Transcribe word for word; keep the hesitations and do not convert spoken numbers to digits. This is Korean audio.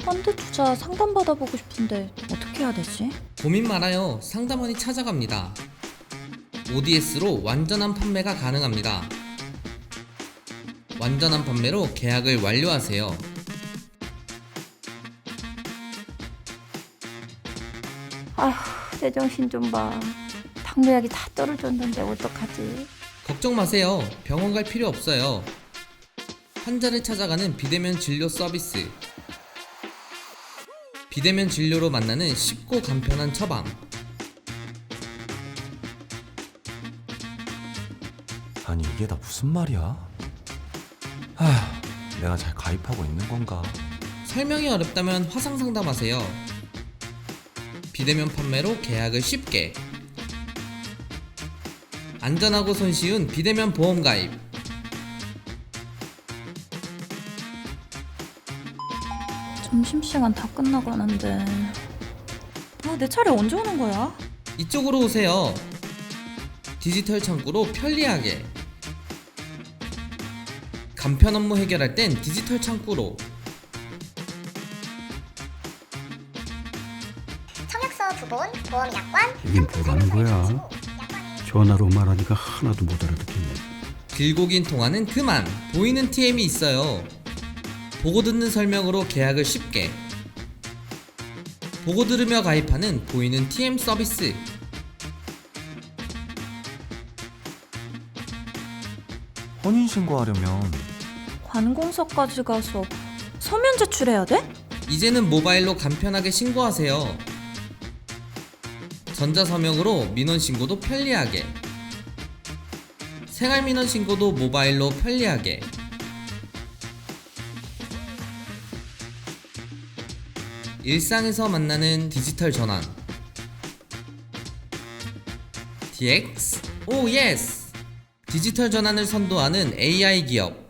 펀드 투자 상담 받아보고 싶은데 어떻게 해야 되지? 고민 말아요. 상담원이 찾아갑니다. 오디에스로 완전한 판매가 가능합니다. 완전한 판매로 계약을 완료하세요. 아휴, 내 정신 좀 봐. 당뇨약이 다 떨어졌는데 어떡하지? 걱정 마세요. 병원 갈 필요 없어요. 환자를 찾아가는 비대면 진료 서비스. 비대면 진료로 만나는 쉽고 간편한 처방. 아니 이게 다 무슨 말이야? 하, 내가 잘 가입하고 있는 건가? 설명이 어렵다면 화상 상담하세요. 비대면 판매로 계약을 쉽게. 안전하고 손쉬운 비대면 보험 가입. 점심시간 다 끝나가는데 아, 내 차례 언제 오는 거야? 이쪽으로 오세요. 디지털 창구로 편리하게. 간편 업무 해결할 땐 디지털 창구로. 청약서 부본, 보험약관, 이게 뭐라는 거야? 전화로 말하니까 하나도 못 알아듣겠네. 길고 긴 통화는 그만. 보이는 티엠이 있어요. 보고 듣는 설명으로 계약을 쉽게. 보고 들으며 가입하는 보이는 티엠 서비스. 혼인신고하려면 관공서까지 가서 서면 제출해야 돼? 이제는 모바일로 간편하게 신고하세요. 전자서명으로 민원신고도 편리하게. 생활민원신고도 모바일로 편리하게. 일상에서 만나는 디지털 전환. 디엑스? 오 예스! 디지털 전환을 선도하는 에이아이 기업.